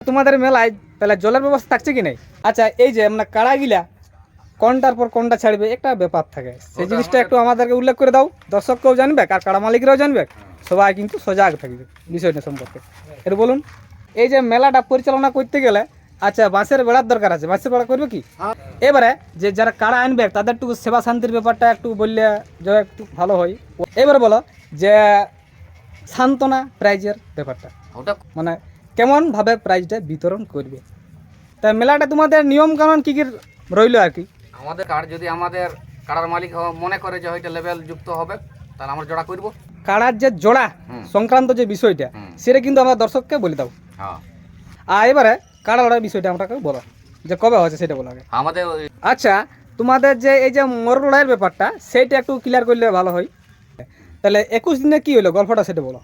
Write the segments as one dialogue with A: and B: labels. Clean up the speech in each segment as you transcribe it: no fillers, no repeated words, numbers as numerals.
A: তোমাদের মেলায় তাহলে জলের ব্যবস্থা থাকছে কি নাই? আচ্ছা, এই যে আমরা কাড়া গিলা কোনটার পর কোনটা ছাড়বে একটা ব্যাপার থাকে, সেই জিনিসটা একটু আমাদেরকে উল্লেখ করে দাও, দর্শককেও জানবে আর কাড়া মালিকরাও জানবে, সবাই কিন্তু সজাগ থাকবে বিষয়টা সম্পর্কে। একটু বলুন। এই যে মেলাটা পরিচালনা করতে গেলে আচ্ছা বাঁশের বেড়ার দরকার আছে, বাঁশের বেড়া করবে কি? এবারে যে যারা কাড়া আনবে তাদের একটু সেবা শান্তির ব্যাপারটা একটু বললে যে একটু ভালো হয়। এবারে বলো যে সান্ত্বনা প্রাইজের ব্যাপারটা, ওটা মানে কেমনভাবে প্রাইজটা বিতরণ করবে, তা মেলাটা তোমাদের নিয়ম কানুন কী কী রইল আর কি?
B: আমাদের কার্ড যদি আমাদের কাড়ার মালিক মনে করে যে ওইটা লেভেল যুক্ত হবে তাহলে আমরা জোড়া করব।
A: কাড়ার যে জোড়া সংক্রান্ত যে বিষয়টা সেটা কিন্তু আমরা দর্শককে বলে দাও।
B: হ্যাঁ,
A: আর এবারে কাড়া লড়ার বিষয়টা আমাকে বলো যে কবে হয়েছে সেটা বলো আগে।
B: আমাদের
A: আচ্ছা, তোমাদের যে এই যে মোরগ লড়াইয়ের ব্যাপারটা সেইটা একটু ক্লিয়ার করলে ভালো হয়। তাহলে 21 দিনে কি হলো গল্পটা সেটা বলো।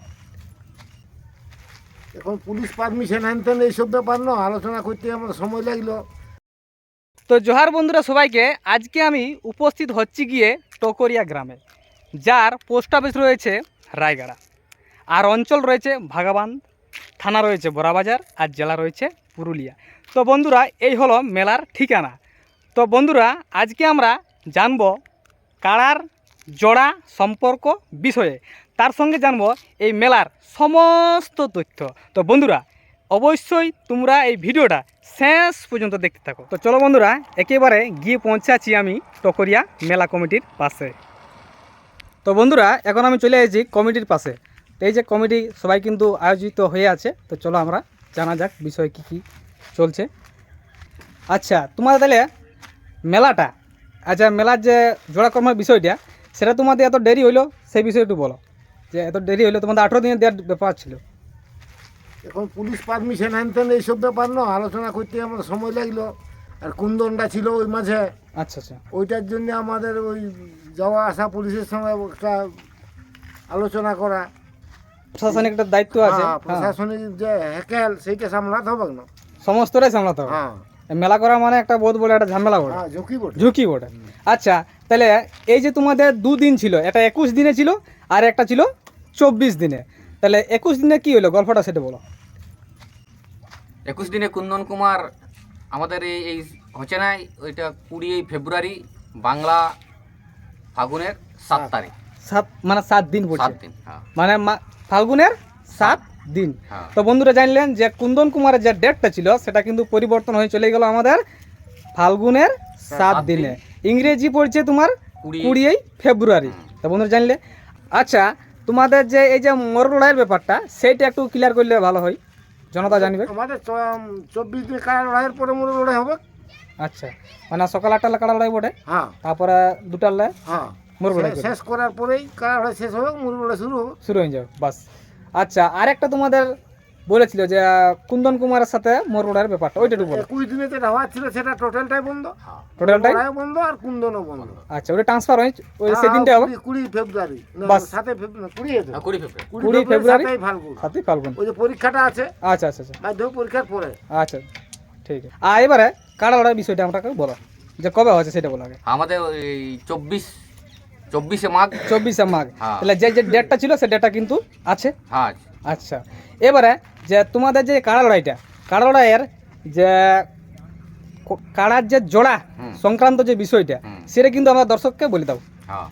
C: এখন পুলিশ পারমিশন আনতেন এইসব ব্যাপার না, আলোচনা করতে আমার সময় লাগলো।
A: তো জোহার বন্ধুরা সবাইকে, আজকে আমি উপস্থিত হচ্ছি গিয়ে টকরিয়া গ্রামে, যার পোস্ট অফিস রয়েছে রায়গড়া, আর অঞ্চল রয়েছে ভাগাবান, থানা রয়েছে বড়াবাজার, আর জেলা রয়েছে পুরুলিয়া। তো বন্ধুরা এই হলো মেলার ঠিকানা। তো বন্ধুরা আজকে আমরা জানব কাড়ার জোড়া সম্পর্ক বিষয়ে, তার সঙ্গে জানব এই মেলার সমস্ত তথ্য। তো বন্ধুরা অবশ্যই তোমরা এই ভিডিওটা শেষ পর্যন্ত দেখতে থাকো। তো চলো বন্ধুরা একেবারে গিয়ে পৌঁছাচ্ছি আমি টকরিয়া মেলা কমিটির পাশে। তো বন্ধুরা এখন আমি চলে এসেছি কমিটির পাশে। তো এই যে কমিটি সবাই কিন্তু আয়োজিত হয়ে আছে, তো চলো আমরা জানা যাক বিষয় কী কী চলছে। আচ্ছা, তোমাদের তাহলে মেলাটা, আচ্ছা মেলার যে জোড়া কর্মের বিষয়টা সেটা তোমাদের এত দেরি হইলো সেই বিষয়ে একটু বলো, যে এত দেরি হইলো, তোমাদের 18 দিনের দেওয়ার ব্যাপার ছিল।
C: এখন পুলিশ পারমিশন আনতেন এইসব ব্যাপার না, আলোচনা করতে আমার সময় লাগলো। আর কুন্দনটা ছিল ওই মাঝে,
A: আচ্ছা আচ্ছা,
C: ওইটার জন্য আমাদের ওই যাওয়া আসা পুলিশের সঙ্গে একটা আলোচনা করা,
A: প্রশাসনিক একটা দায়িত্ব আছে,
C: হ্যাঁ, প্রশাসনিক যে হ্যাকেল সেইটা সামলাতে হবে না,
A: সমস্তটাই সামলাতে হবে।
C: হ্যাঁ
A: মেলা করা মানে একটা বহুত বড় একটা ঝামেলা বটে,
C: হ্যাঁ, ঝুঁকি বটে।
A: ঝুঁকি বটে। আচ্ছা, তাহলে এই যে তোমাদের 2 দিন ছিল, এটা 21 দিনে ছিল আর একটা ছিল 24 দিনে, তাহলে 21 দিনে কি হলো গল্পটা সেটা বলো।
B: 21 দিনে কুন্দন কুমার আমাদের এই হচ্ছে না, ওইটা 20 ফেব্রুয়ারি বাংলা ফাগুনের 7 তারিখ।
A: 7 দিন পড়ছে,
B: 7 দিন, হ্যাঁ
A: মানে ফাল্গুনের 7 দিন।
B: হ্যাঁ।
A: তো বন্ধুরা জানলেন যে কুন্দন কুমারের যে ডেটটা ছিল সেটা কিন্তু পরিবর্তন হয়ে চলে গেল আমাদের ফাল্গুনের 7 দিনে। ইংরেজি পড়ছে তোমার 20 ফেব্রুয়ারি। তো বন্ধুরা জানলে। আচ্ছা, তোমাদের যে এই যে মোরগ লড়াইয়ের ব্যাপারটা সেইটা একটু ক্লিয়ার করলে ভালো হয়, জনতা জানবে।
C: আমাদের 24 দিন কাড়া লড়াইয়ের পরে মোর লড়াই হবে।
A: আচ্ছা, মানে সকাল 8টা কাড়া লড়াই বটে,
C: হ্যাঁ
A: তারপরে 2টার লাই
C: হ্যাঁ,
A: মোরগ লড়াই
C: শেষ করার পরেই কাড়া লড়াই শেষ হবে, মোর লড়াই শুরু হবে।
A: শুরু হয়ে যাবে বাস। আচ্ছা, আরেকটা তোমাদের বলেছিল যে কুন্দন কুমারের সাথে মোরগ লড়াইয়ের ব্যাপারটা, ওইটা একটু বলো।
C: 21 দিনে যেটা হওয়ার ছিল সেটা টোটালটাই বন্ধ,
A: টোটালটাই
C: লড়াইও বন্ধ আর কুন্দনও বন্ধ।
A: আচ্ছা, ওটা ট্রান্সফার হয় ওই সেদিনটা হবে
C: 20 ফেব্রুয়ারি,
A: বাস।
C: 7 ফেব্রুয়ারি, 20
B: হ্যাঁ, 20 ফেব্রুয়ারি
A: 20 ফেব্রুয়ারি
C: 7 ফাল্গুন,
A: 7 ফাল্গুন।
C: ওই যে পরীক্ষাটা আছে,
A: আচ্ছা আচ্ছা আচ্ছা
C: মাধ্যমিক পরীক্ষার পরে।
A: আচ্ছা, ঠিক আছে। আর এবারে কাড়া লড়াইয়ের বিষয়টা আমাকে বলো, যে কবে হয়েছে সেটা বলো আগে।
B: আমাদের এই 24 মাঘ।
A: 24 মাঘ।
B: হ্যাঁ।
A: তাহলে যে ডেটটা ছিল সে ডেটটা কিন্তু আছে।
B: হ্যাঁ,
A: আচ্ছা, এবারে যে তোমাদের যে কাড়া লড়াইটা, কাড়া লড়াইয়ের যে কাড়ার যে জোড়া সংক্রান্ত যে বিষয়টা সেটা কিন্তু আমরা দর্শককে বলে দাও।
B: হ্যাঁ,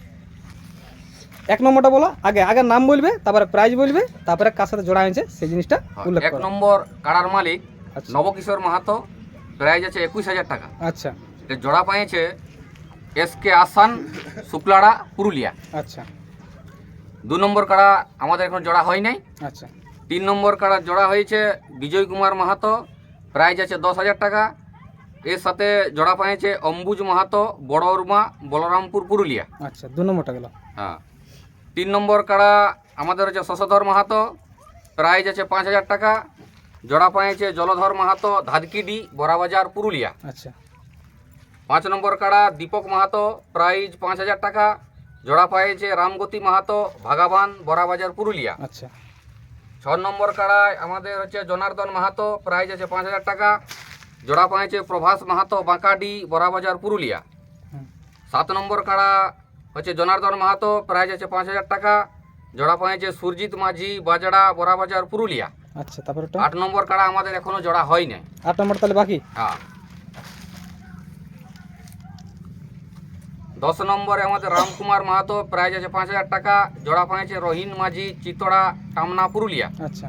A: 1 নম্বরটা বলো আগে, আগে নাম বলবে, তারপরে প্রাইজ বলবে, তারপরে কার সাথে জোড়া হয়েছে সেই জিনিসটা উল্লেখ
B: 1
A: করো।
B: নম্বর কাড়ার মালিক
A: আচ্ছা
B: নবকিশোর মাহাতো, প্রাইজ আছে 21,000 টাকা।
A: আচ্ছা
B: এটা জোড়া পাইছে এসকে আসান, শুক্লাড়া, পুরুলিয়া।
A: আচ্ছা
B: 2 নম্বর কাড়া আমাদের এখন জোড়া হয় নাই।
A: আচ্ছা
B: 3 নম্বর কাড়া জোড়া হয়েছে বিজয় কুমার মাহাতো, প্রাইজ আছে 10,000 টাকা। এর সাথে জোড়া পাইছে অম্বুজ মাহাতো, বড় উর্মা, বলরামপুর, পুরুলিয়া।
A: আচ্ছা 2 নম্বরটা গেল।
B: হ্যাঁ, 3 নম্বর কাড়া আমাদের হচ্ছে শশধর মাহাতো, প্রাইজ আছে 5,000 টাকা। জোড়া পাইছে জলধর মাহাতো, ধাদকিডি, বড়াবাজার, পুরুলিয়া।
A: আচ্ছা
B: 5 নম্বর কাড়া দীপক মাহাতো, প্রাইজ 5,000 টাকা। জোড়া পাইছে রামগতি মাহাতো, ভাগাবান, বড়াবাজার, পুরুলিয়া।
A: আচ্ছা
B: 6 নম্বর কাড়ায় আমাদের হচ্ছে জনার্দন মাহাতো, প্রাইজ আছে 5,000 টাকা। জোড়া পাইছে প্রভাস মাহাতো, বাঁকাডি, বড়াবাজার, পুরুলিয়া। 7 নম্বর কাড়া হচ্ছে জনার্দন মাহাতো, প্রাইজ আছে 5,000 টাকা। জোড়া পাইছে সুরজিৎ মাঝি, বাজড়া, বড়াবাজার, পুরুলিয়া।
A: আচ্ছা, তারপরে ওটা
B: 8 নম্বর কাড়া আমাদের এখনো জোড়া হয় নাই।
A: 8 নম্বর তাহলে বাকি।
B: হ্যাঁ। 10 নম্বরে আমাদের রামকুমার মাহাতো, প্রাইজ আছে 5,000 টাকা, জোড়া পাইছে রহিন মাঝি, চিতড়া, টামনা, পুরুলিয়া।
A: আচ্ছা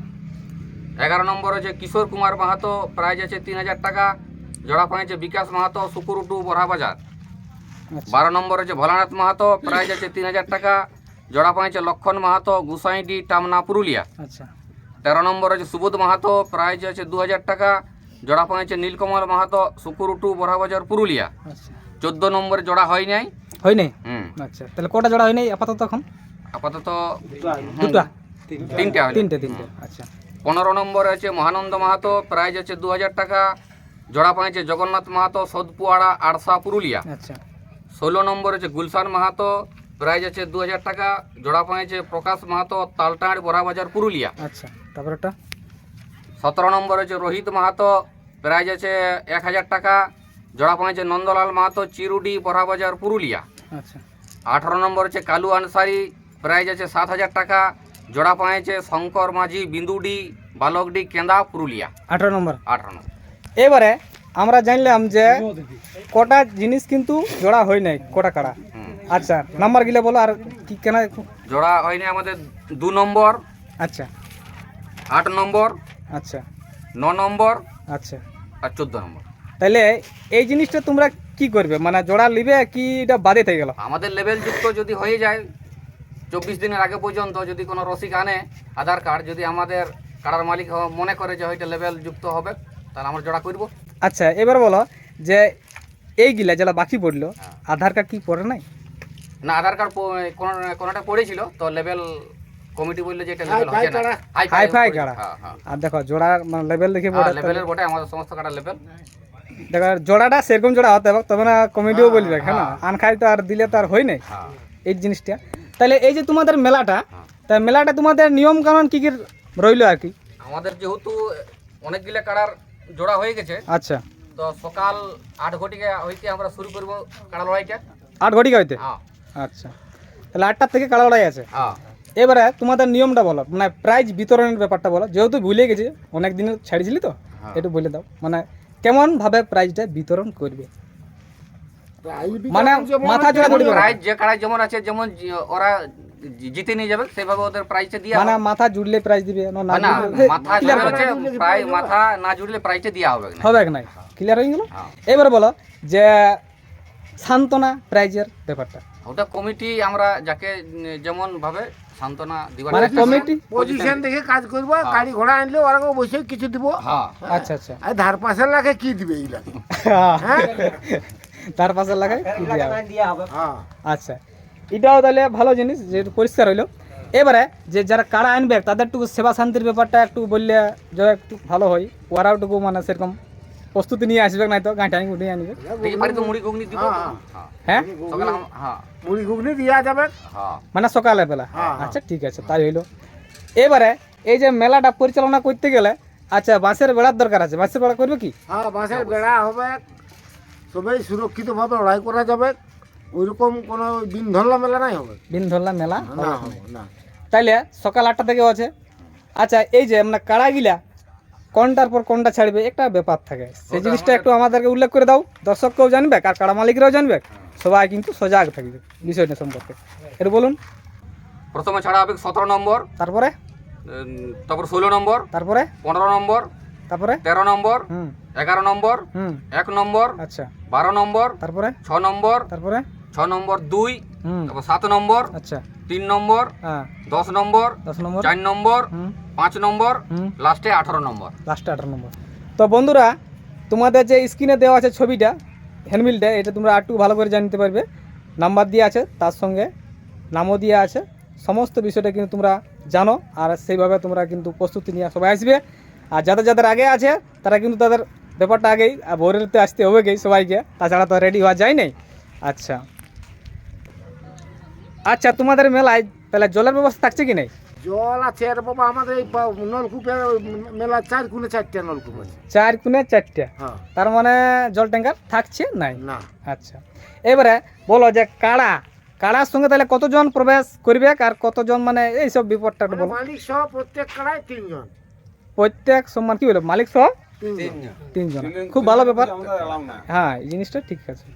B: 11 নম্বর হচ্ছে কিশোর কুমার মাহাতো, প্রাইজ আছে 3,000 টাকা, জোড়া পাইছে বিকাশ মাহাতো, সুকুরুটু, বড়াবাজার।
A: আচ্ছা
B: 12 নম্বর হচ্ছে ভোলানাথ মাহাতো, প্রাইজ আছে 3,000 টাকা, জোড়া পাইছে লক্ষণ মাহাতো, গুসাইডি, টামনা, পুরুলিয়া।
A: আচ্ছা
B: 13 নম্বর হচ্ছে সুবোধ মাহাতো, প্রাইজ আছে 2,000 টাকা, জোড়া পাইছে নীলকমল মাহাতো, সুকুরুটু, বড়াবাজার, পুরুলিয়া।
A: আচ্ছা
B: 14 নম্বরে জোড়া হয় নাই।
A: হয় নাই।
B: হুম,
A: আচ্ছা তাহলে কটা জোড়া হয় নাই আপাতত এখন?
B: আপাতত
A: দুটা,
B: তিনটা হলো।
A: তিনটে। আচ্ছা
B: 15 নম্বরে আছে মহানন্দ মাহাতো, প্রাইজ আছে 2,000 টাকা, জোড়া পাইছে জগন্নাথ মাহাতো, সোদপুয়াড়া, আড়সা, পুরুলিয়া।
A: আচ্ছা
B: 16 নম্বর আছে গুলশান মাহাতো, প্রাইজ আছে 2,000 টাকা, জোড়া পাইছে প্রকাশ মাহাতো, তালটাঁড়, বড়াবাজার, পুরুলিয়া।
A: আচ্ছা তারপরে ওটা
B: 17 নম্বর আছে রোহিত মাহাতো, প্রাইজ আছে 1,000 টাকা, জোড়া পাইছে নন্দলাল মাহাতো, চিরুডি, বড়াবাজার, পুরুলিয়া।
A: আচ্ছা
B: 18 নম্বর আছে কালু আনসারি, প্রাইজ আছে 7,000 টাকা, জোড়া পাইছে শঙ্কর মাঝি, বিন্দুডি, বালকডি, কেন্দা, পুরুলিয়া।
A: 18 নম্বর।
B: 18 নম্বর।
A: এবারে আমরা জানলাম যে কটা জিনিস কিন্তু জোড়া হয় নাই, কটা কাড়া।
B: হুম।
A: আচ্ছা নাম্বার গিলে বলো আর কি কেন।
B: জোড়া হয়নি আমাদের 2 নম্বর,
A: আচ্ছা
B: 8 নম্বর,
A: আচ্ছা
B: 9 নম্বর
A: আচ্ছা
B: আর 14 নম্বর।
A: তাহলে এই জিনিসটা তোমরা কি করবে, মানে জোড়া নিবে কি এটা বাদে থেকে গেল?
B: আমাদের লেভেল যুক্ত যদি হয়ে যায় 24 দিনের আগে পর্যন্ত, যদি কোনো রসিক আনে আধার কার্ড, যদি আমাদের কাড়ার মালিক মনে করে যে হয়তো লেভেল যুক্ত হবে, তাহলে আমরা জোড়া করব।
A: আচ্ছা এবার বলো যে এইগুলা যারা বাকি পড়লো
B: হ্যাঁ।
A: আধার কার্ড কি পড়ে নাই?
B: না, আধার কার্ড কোনোটা পড়েছিল তো লেভেল কমিটি বললো যে এটা লেভেল হচ্ছে না।
A: হাই কাড়া।
B: হ্যাঁ, হ্যাঁ।
A: আর দেখো জোড়ার মানে লেভেল দেখে পড়ে,
B: লেভেলের বটে আমাদের সমস্ত কাটার লেভেল।
A: দেখো জোড়াটা সেরকম জোড়া হতে হবে তবে না কমিটিও বলবে, হ্যাঁ না আনখাই তো আর দিলে তো আর হয় নাই
B: হ্যাঁ।
A: এই জিনিসটা। তাহলে এই যে তোমাদের মেলাটা,
B: হ্যাঁ।
A: তা মেলাটা তোমাদের নিয়ম কানুন কি কি রইলো আর কি?
B: আমাদের যেহেতু অনেকগুলো কাড়ার জোড়া হয়ে গেছে,
A: আচ্ছা
B: তো সকাল 8 ঘটিকা হইতে আমরা শুরু করব কাড়া লড়াইটা।
A: 8 ঘটিকা হইতে?
B: হ্যাঁ,
A: আচ্ছা তাহলে 8টার থেকে কাড়া লড়াই আছে।
B: হ্যাঁ।
A: এবারে তোমাদের নিয়মটা বলো, মানে প্রাইজ বিতরণের ব্যাপারটা বলো, যেহেতু ভুলে গেছি অনেক দিন ছাড়িয়েছিলি তো,
B: হ্যাঁ।
A: একটু বলে দাও মানে কেমন ভাবে প্রাইজটা বিতরণ করবে, মানে মাথা জোড়া ধরবে
B: প্রাইজ যে কাড়াই যেমন আছে, যেমন ওরা জিতে নিয়ে যাবে সেভাবে ওদের প্রাইজটা দিয়া
A: মানে মাথা জুড়লে প্রাইজ দিবে না না
B: না,
A: জুড়লে
B: মাথা
A: clear
B: হচ্ছে প্রায় মাথা না জুড়লে প্রাইজটা দেওয়া হবে না।
A: হবে না, ক্লিয়ার হয়ে গেল।
B: হ্যাঁ।
A: এবার বলো যে সান্ত্বনা প্রাইজের ব্যাপারটা,
B: ওটা কমিটি আমরা যাকে যেমন ভাবে সান্ত্বনা দিবার
A: মানে
B: চেষ্টা
A: কমিটি
C: পজিশন দেখে কাজ করবো, গাড়ি ঘোড়া আনলে ওরা বসে কিছু দিব।
B: হ্যাঁ।
A: আচ্ছা আচ্ছা
C: আর ধার পাশের লাগে কি দিবে এইগুলা?
A: তার পাশে লাগাই কি দেয়া হবে?
C: হ্যাঁ
A: আচ্ছা এটাও তাহলে ভালো জিনিস যে পরিষ্কার হইলো। এবারে যে যারা কাড়া আনবে তাদের একটু সেবা শান্তির ব্যাপারটা একটু বললে যে একটু ভালো হয়, ওরাও একটু মানে সেরকম প্রস্তুতি নিয়ে আসবে, নাই তো গাঁটানি উঠিয়ে আনবে।
B: দেখি পারি তো মুড়ি ঘুগনি দিব।
C: হ্যাঁ।
B: হ্যাঁ।
A: হ্যাঁ
B: সকালে হ্যাঁ,
C: মুড়ি ঘুগনি দিয়া যাবে।
B: হ্যাঁ।
A: মানে সকালে বেলা।
C: হ্যাঁ।
A: আচ্ছা ঠিক আছে তাই হইলো। এবারে এই যে মেলাটা পরিচালনা করতে গেলে আচ্ছা বাঁশের বেড়ার দরকার আছে, বাঁশের বেড়া করবে কি?
C: হ্যাঁ বাঁশের বেড়া হবে, সবাই সুরক্ষিতভাবে লড়াই করা যাবে, ওইরকম কোনো দিন ধরলা মেলা নাই হবে।
A: দিন ধরলা মেলা
C: না হবে না।
A: তাইলে সকাল 8টা থেকে আছে। আচ্ছা এই যে মানে কাড়া গিলা কোনটার পর কোনটা ছাড়বে একটা ব্যাপার থাকে, সেই জিনিসটা একটু আমাদেরকে উল্লেখ করে দাও, দর্শককেও জানবে আর কাড়া মালিকরাও জানবে, সবাই কিন্তু সজাগ থাকবে বিষয়টা সম্পর্কে, এটা বলুন।
B: প্রথমে ছাড়া হবে 17 নম্বর,
A: তারপরে
B: তারপর 16 নম্বর,
A: তারপরে
B: 15 নম্বর,
A: তারপরে
B: 13 নম্বর,
A: হুম
B: 11 নম্বর,
A: হুম
B: 1 নম্বর,
A: আচ্ছা
B: 12 নম্বর,
A: তারপরে
B: 6 নম্বর,
A: তারপরে
B: 6 নম্বর 2,
A: হুম
B: তারপর 7 নম্বর,
A: আচ্ছা
B: 3 নম্বর,
A: হ্যাঁ
B: 10 নম্বর,
A: 10 নম্বর
B: 4 নম্বর,
A: হুম
B: 5 নম্বর,
A: হুম
B: লাস্টে 18 নম্বর।
A: লাস্টে 18 নম্বর। তো বন্ধুরা তোমাদের যে স্ক্রিনে দেওয়া আছে ছবিটা হ্যান্ডবিলটা, এটা তোমরা একটু ভালো করে জানতে পারবে, নাম্বার দিয়ে আছে তার সঙ্গে নামও দিয়ে আছে, সমস্ত বিষয়টা কিন্তু তোমরা জানো আর সেইভাবে তোমরা কিন্তু প্রস্তুতি নিয়ে সবাই আসবে। আর যাদের যাদের আগে আছে তারা কিন্তু তাদের ব্যাপারটা আগেই ভোরেতে আসতে হবে গেই সবাইকে, তাছাড়া তো রেডি হওয়া যায় নাই। আচ্ছা আচ্ছা তোমাদের মেলায় তাহলে জলের ব্যবস্থা থাকছে কি নাই?
C: জল আছে আর বাবা আমাদের এই নলকূপের মেলা 4 কোণে 4টা নলকূপ আছে।
A: 4 কোণে 4টা,
C: হ্যাঁ
A: তার মানে জল ট্যাঙ্কার থাকছে নাই?
C: না
A: আচ্ছা এবারে বলো যে কাড়ার সঙ্গে তাহলে কতজন প্রবেশ করবে আর কতজন মানে এইসব বিপদটা একটু বলো।
C: মালিক সহ প্রত্যেক কাড়ায় 3 জন।
A: প্রত্যেক সম্মান কি বলে মালিক সহ 3 জন, খুব ভালো ব্যাপার। হ্যাঁ, এই জিনিসটা ঠিক আছে।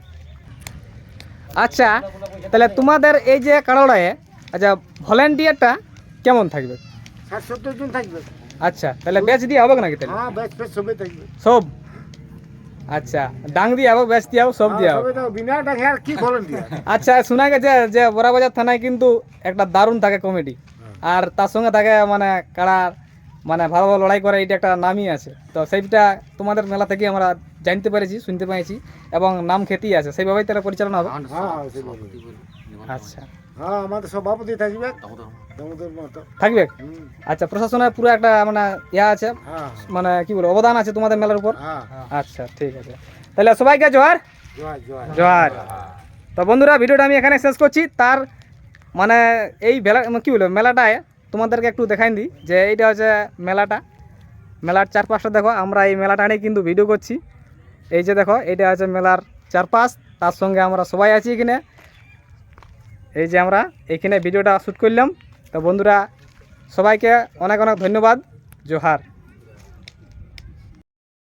A: আচ্ছা, তাহলে তোমাদের এই যে কাড়াড়ায় আচ্ছা ভলেন্টিয়ারটা কেমন থাকবে?
C: 60-70 জন থাকবে।
A: আচ্ছা, তাহলে ব্যাচ দিয়ে হবে নাকি তাহলে?
C: হ্যাঁ, ব্যাচ ফেচ সবে থাকবে।
A: সব আচ্ছা, ডাং দিয়ে হবে, ব্যাচ দিয়ে হবে, সব দিয়ে হবে।
C: সবে তো বিনা ডাকে আর কি ভলেন্টিয়ার।
A: আচ্ছা, শোনা গেছে যে বড়াবাজার থানায় কিন্তু একটা দারুণ থাকে কমেডি, আর তার সঙ্গে থাকে মানে কাড়ার মানে ভালো ভালো লড়াই করে, এটা একটা নামই আছে। তো সেইটা তোমাদের মেলা থেকে আমরা জানতে পেরেছি, শুনতে পেয়েছি, এবং নাম খ্যাতি আছে, সেইভাবেই তাহলে পরিচালনা হবে।
C: হ্যাঁ, সেভাবে।
A: আচ্ছা,
C: হ্যাঁ, আমাদের সভাপতি থাকবে দামোদর মতো।
A: থাকবে।
C: হুম,
A: আচ্ছা, প্রশাসনের পুরো একটা মানে ইয়া আছে,
C: হ্যাঁ,
A: মানে কি বলবো অবদান আছে তোমাদের মেলার উপর।
C: হ্যাঁ,
A: আচ্ছা, ঠিক আছে, তাহলে সবাইকে জোহার।
C: জয় জয়।
A: জোহার। তো বন্ধুরা, ভিডিওটা আমি এখানে শেষ করছি। তার মানে এই কী বলবো মেলাটায় তোমাদেরকে একটু দেখাই দিই যে এইটা হচ্ছে মেলাটা, মেলার চারপাশটা দেখো। আমরা এই মেলাটা নিয়ে কিন্তু ভিডিও করছি। এই যে দেখো, এইটা হচ্ছে মেলার চারপাশ, তার সঙ্গে আমরা সবাই আছি এখানে। এই যে আমরা এইখানে ভিডিওটা শ্যুট করলাম। তো বন্ধুরা, সবাইকে অনেক অনেক ধন্যবাদ। জোহার।